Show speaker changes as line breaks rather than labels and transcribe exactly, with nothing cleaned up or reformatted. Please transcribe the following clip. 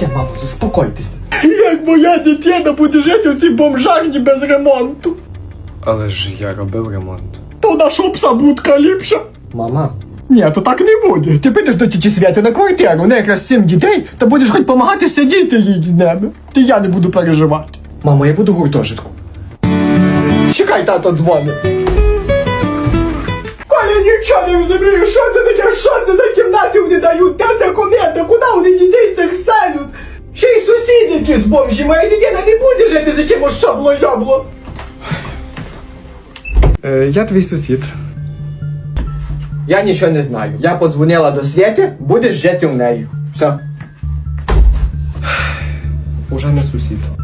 таке, мамо, заспокойтесь.
Як моя дитина буде жити у цій бомжарні без ремонту?
Але ж я робив ремонт.
То наша пса будка ліпша.
Мама.
Ні, то так не буде. Ти підеш до тіті Святи на квартиру, у неї якраз сім дітей, та будеш хоч допомагати сидіти їй з ними. Ти я не буду переживати.
Мамо, я буду в гуртожитку.
Чекай, тато дзвонить. Коля, нічого не розумію, що це таке, що це за кімнати вони дають, де це комета, куди вони дітей цих селють? Ще й сусіди якісь бомжі, моя дитина не буде жити з якимось шабло-ябло.
Е, я твій сусід.
Я нічого не знаю. Я подзвонила до Свєти, будеш жити в неї. Все.
Уже не сусід.